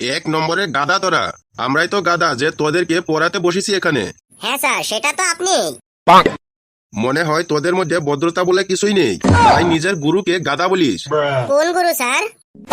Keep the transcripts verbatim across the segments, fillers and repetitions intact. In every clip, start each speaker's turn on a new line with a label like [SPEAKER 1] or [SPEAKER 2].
[SPEAKER 1] এক নম্বরের গাদা তোরা। আমরাই তো গাদা যে তোদেরকে পড়াতে বসেছি এখানে।
[SPEAKER 2] হ্যাঁ স্যার, সেটা তো আপনি।
[SPEAKER 1] মনে হয় তোদের মধ্যে ভদ্রতা বলে কিছুই নেই, তাই নিজের গুরুকে গাদা বলিস।
[SPEAKER 2] কোন গুরু স্যার?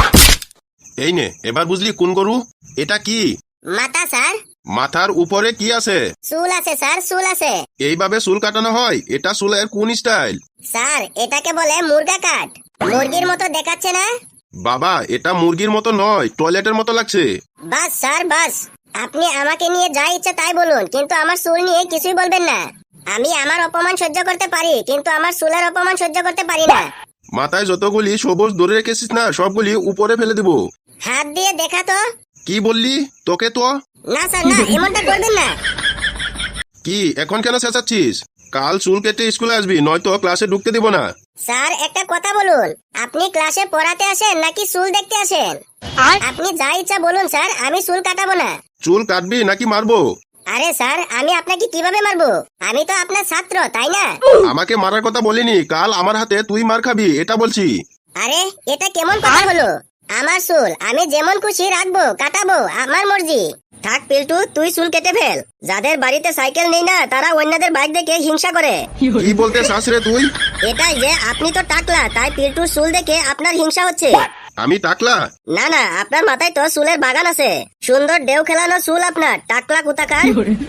[SPEAKER 1] এই নে, এবার বুঝলি কোন গরু? এটা কি?
[SPEAKER 2] মাথা স্যার।
[SPEAKER 1] মাথার উপরে কি আছে?
[SPEAKER 2] চুল আছে স্যার, চুল আছে।
[SPEAKER 1] এইভাবে চুল কাটানো হয়? এটা চুলের কোন স্টাইল?
[SPEAKER 2] স্যার, এটাকে বলে মুরগা কাট। মুরগির মতো দেখাচ্ছে না?
[SPEAKER 1] বাবা, এটা মুরগির মতো নয়, টয়লেটের মতো লাগছে।
[SPEAKER 2] বাস স্যার বাস, আপনি আমাকে নিয়ে যা ইচ্ছা তাই বলুন, কিন্তু আমার চুল নিয়ে কিছুই বলবেন না। আমি আমার অপমান সহ্য করতে পারি, কিন্তু আমার চুলের অপমান সহ্য করতে পারি না।
[SPEAKER 1] মাথায় যতগুলি সবুজ ধরে রেখেছিস না, সবগুলি উপরে ফেলে দিব।
[SPEAKER 2] হাত দিয়ে দেখা তো।
[SPEAKER 1] কি বললি? তোকে তো।
[SPEAKER 2] না স্যার না, এমনটা করবেন না।
[SPEAKER 1] কি এখন কেন চেঁচাচ্ছিস? কাল চুল কেটে স্কুলে আসবি, নয়তো ক্লাসে ঢুকতে দিব না।
[SPEAKER 2] স্যার একটা কথা বলুন, আপনি ক্লাসে পড়াতে আসেন নাকি চুল দেখতে আসেন? আপনি যা ইচ্ছা বলুন স্যার, আমি চুল কাটাবো না।
[SPEAKER 1] চুল কাটবি নাকি মারবো?
[SPEAKER 2] আরে স্যার, আমি আপনাকে কিভাবে মারবো? আমি তো আপনার ছাত্র, তাই না?
[SPEAKER 1] আমাকে মারার কথা বলিনি, কাল আমার হাতে তুই মার খাবি এটা বলছি।
[SPEAKER 2] আরে এটা কেমন কথা হলো? আমার চুল আমি যেমন খুশি রাখবো, কাটাবো, আমার মর্জি। থাক পিল্টু, তুই চুল কেটে ফেল। যাদের বাড়িতে সাইকেল নেই না, তারা অন্যদের বাইক দেখে হিংসা করে।
[SPEAKER 1] কি বলতে চাস রে তুই?
[SPEAKER 2] এটাই যে আপনি তো টাকলা, তাই পিল্টুর চুল দেখে আপনার হিংসা হচ্ছে।
[SPEAKER 1] আমি টাকলা?
[SPEAKER 2] না না, আপনার মাথায় তো চুলের বাগান আছে। সুন্দর ঢেউ খেলানো চুল আপনার, টাকলা কোথাকার।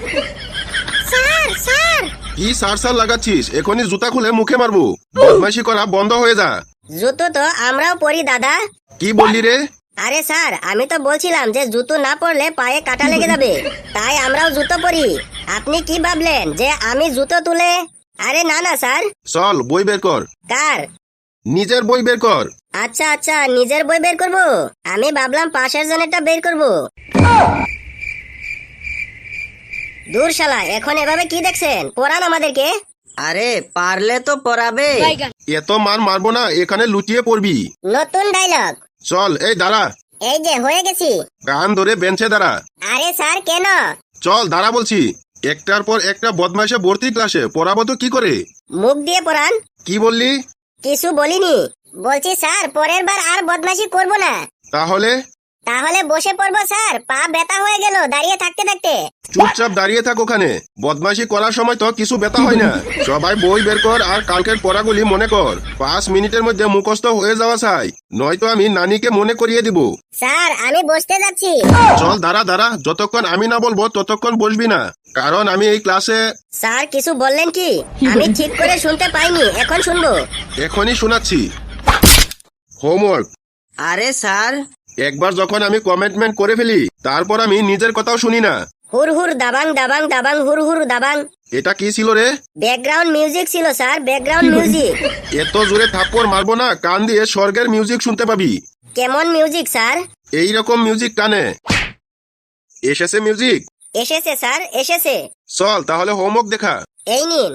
[SPEAKER 2] Sir sir.
[SPEAKER 1] কি সার সার লাগাচ্ছিস? এখনই জুতা খুলে মুখে মারবো। বদমাইশি করা বন্ধ হয়ে যা।
[SPEAKER 2] জুতো তো আমরাও পরি দাদা।
[SPEAKER 1] কি বললি রে?
[SPEAKER 2] আরে স্যার, আমি তো বলছিলাম যে জুতো না পরলে পায়ে কাটা লেগে যাবে, তাই আমরাও জুতো পরি। আপনি কি ভাবলেন যে আমি জুতো তুলে? আরে না না স্যার।
[SPEAKER 1] চল বই বের কর।
[SPEAKER 2] কার?
[SPEAKER 1] নিজের বই বের কর।
[SPEAKER 2] আচ্ছা আচ্ছা, নিজের বই বের করব। আমি ভাবলাম পাশের জনেরটা বের করব। দূর শালা, এখন এভাবে কি দেখছেন? পড়ান আমাদেরকে।
[SPEAKER 3] আরে পারলে তো পড়াবে।
[SPEAKER 1] এত মার মারবো না, এখানে লুটিয়ে পড়বি।
[SPEAKER 2] নতুন ডায়লগ।
[SPEAKER 1] চল, এই দাঁড়া।
[SPEAKER 2] এই যে হয়ে গেছি।
[SPEAKER 1] কান ধরে বেঞ্চে দাঁড়া।
[SPEAKER 2] আরে স্যার কেন?
[SPEAKER 1] চল দাঁড়া বলছি। একটার পর একটা বদমাইশে ভর্তি ক্লাসে, পড়াবো তো কি করে?
[SPEAKER 2] মুখ দিয়ে পড়ান।
[SPEAKER 1] কি বললি?
[SPEAKER 2] কিছু বলিনি। বলছি স্যার, পরের বার আর বদমাশি করব না।
[SPEAKER 1] তাহলে?
[SPEAKER 2] তাহলে বসে পড়বো স্যার, পা ব্যথা হয়ে গেল দাঁড়িয়ে থাকতে থাকতে।
[SPEAKER 1] চুপচাপ দাঁড়িয়ে থাক ওখানে। বদমাইশি করার সময় তো কিছু ব্যথা হয় না। সবাই বই বের কর আর কালকের পড়াগুলি মনে কর। পাঁচ মিনিটের মধ্যে মুখস্থ হয়ে যাওয়া চাই, নয়তো আমি নানিকে মনে করিয়ে দিব।
[SPEAKER 2] স্যার আমি বসতে যাচ্ছি।
[SPEAKER 1] চল দাঁড়া দাঁড়া, যতক্ষণ আমি না বলবো ততক্ষণ বসবি না, কারণ আমি এই ক্লাসে।
[SPEAKER 2] স্যার কিছু বললেন কি? আমি ঠিক করে শুনতে পাইনি, এখন শুনবো।
[SPEAKER 1] এখনই শোনাচ্ছি। হোমওয়ার্ক।
[SPEAKER 3] আরে স্যার।
[SPEAKER 1] একবার যখন আমি কমিটমেন্ট করে ফেলি, তারপর আমি নিজের কথাও শুনি না।
[SPEAKER 2] হুর হুর দাবাং দাবাং দাবাং হুর হুর দাবাং।
[SPEAKER 1] এটা কি ছিল রে?
[SPEAKER 2] ব্যাকগ্রাউন্ড মিউজিক ছিল স্যার, ব্যাকগ্রাউন্ড মিউজিক।
[SPEAKER 1] এত জোরে থাপ্পড় মারবো না, কান দিয়ে স্বর্গের মিউজিক শুনতে পাবি।
[SPEAKER 2] কেমন মিউজিক স্যার?
[SPEAKER 1] এইরকম মিউজিক কানে এসেছে। মিউজিক
[SPEAKER 2] এসেছে স্যার, এসেছে।
[SPEAKER 1] চল তাহলে হোমওয়ার্ক দেখা।
[SPEAKER 2] এই নিন।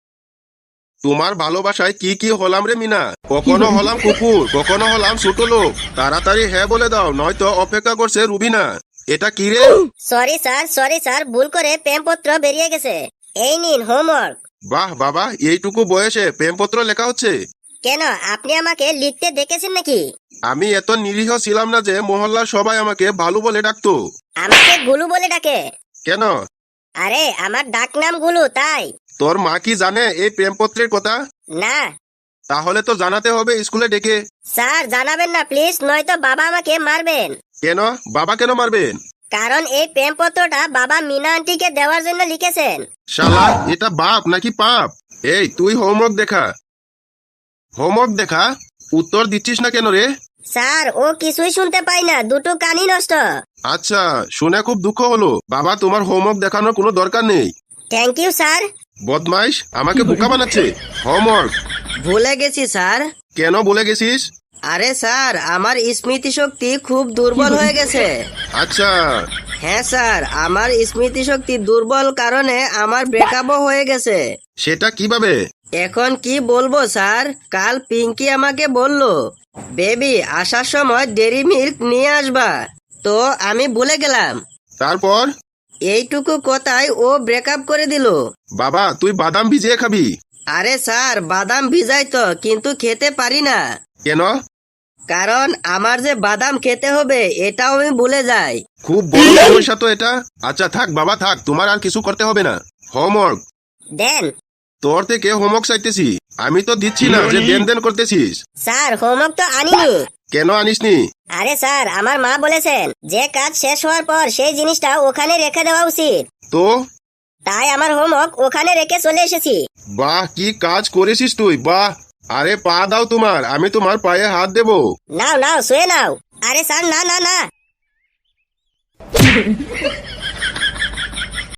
[SPEAKER 1] তোমার ভালোবাসায় কি কি হলাম রে মিনা? কখনো হলাম কুকুর, কখনো হলাম ছোট লোক। তাড়াতাড়ি হ্যাঁ বলে দাও, নয়তো অপেক্ষা করছে রুবিনা। এটা কি রে?
[SPEAKER 2] সরি স্যার, সরি স্যার, ভুল করে প্রেমপত্র বেরিয়ে গেছে। এই নিন হোমওয়ার্ক।
[SPEAKER 1] বাহ বাবা, এইটুকু বয়সে প্রেমপত্র লেখা হচ্ছে?
[SPEAKER 2] কেন, আপনি আমাকে লিখতে দেখেছেন নাকি?
[SPEAKER 1] আমি এত নিরীহ ছিলাম না যে মহল্লার সবাই আমাকে ভালো বলে ডাকতো।
[SPEAKER 2] আমাকে গুলু বলে ডাকে।
[SPEAKER 1] কেন?
[SPEAKER 2] আরে আমার ডাক নাম গুলু, তাই।
[SPEAKER 1] তোর মা কি জানে এই প্রেমপত্রের কথা?
[SPEAKER 2] না।
[SPEAKER 1] তাহলে তো জানাতে হবে স্কুলে ডেকে।
[SPEAKER 2] স্যার জানাবেন না প্লিজ, নয়তো বাবা আমাকে মারবেন।
[SPEAKER 1] কেন? বাবা কেন মারবেন?
[SPEAKER 2] কারণ এই প্রেমপত্রটা বাবা মিনা আন্টিকে দেওয়ার জন্য লিখেছেন।
[SPEAKER 1] শালা, এটা বাপ নাকি পাপ? এই তুই হোমওয়ার্ক দেখা। হোমওয়ার্ক দেখা? উত্তর দিচ্ছিস না কেন রে?
[SPEAKER 2] স্যার ও কিছুই শুনতে পাই না, দুটো কানই নষ্ট।
[SPEAKER 1] আচ্ছা, শুনে খুব দুঃখ হলো। বাবা তোমার হোমওয়ার্ক দেখানোর কোনো দরকার নেই।
[SPEAKER 2] Thank you sir.
[SPEAKER 1] বদমাইশ, আমাকে বোকা বানাচ্ছে। হোমওয়ার্ক।
[SPEAKER 3] ভুলে গেছি স্যার।
[SPEAKER 1] কেন ভুলে গেছিস?
[SPEAKER 3] আরে স্যার, আমার স্মৃতি শক্তি খুব দুর্বল হয়ে গেছে।
[SPEAKER 1] আচ্ছা।
[SPEAKER 3] হ্যাঁ স্যার, আমার স্মৃতি শক্তি দুর্বল কারণে আমার ব্রেকআপও হয়ে গেছে।
[SPEAKER 1] সেটা কিভাবে?
[SPEAKER 3] এখন কি বলবো স্যার, কাল পিঙ্কি আমাকে বলল, বেবি আসার সময় ডেরি মিল্ক নিয়ে আসবা। তো আমি ভুলে গেলাম।
[SPEAKER 1] তারপর?
[SPEAKER 3] এইটুকু কথায় ও ব্রেকআপ করে দিল।
[SPEAKER 1] বাবা তুই বাদাম ভিজিয়ে খাবি।
[SPEAKER 3] আরে স্যার, বাদাম ভিজাই তো, কিন্তু খেতে পারি না।
[SPEAKER 1] কেন?
[SPEAKER 3] কারণ আমার যে বাদাম খেতে হবে এটাও আমি ভুলে যাই।
[SPEAKER 1] খুব বড় সমস্যা তো এটা। আচ্ছা থাক বাবা থাক, তোমার আর কিছু করতে হবে না। হোমওয়ার্ক
[SPEAKER 2] দেন।
[SPEAKER 1] তোর থেকে হোমওয়ার্ক চাইতেছি, আমি তো দিচ্ছি না যে দেন দেন করতেছিস।
[SPEAKER 2] স্যার হোমওয়ার্ক তো আনিনি।
[SPEAKER 1] কেন আনিসনি?
[SPEAKER 2] আরে স্যার আমার মা বলেছেন যে কাজ শেষ হওয়ার পর সেই জিনিসটা ওখানে রেখে দেওয়া উচিত,
[SPEAKER 1] তো
[SPEAKER 2] তাই আমার হোমওয়ার্ক ওখানে রেখে চলে এসেছি।
[SPEAKER 1] বাহ, কি কাজ করেছিস তুই, বাহ। আরে পা দাও তোমার, আমি তোমার পায়ে হাত দেবো।
[SPEAKER 2] নাও নাও শুয়ে নাও। আরে স্যার না না না।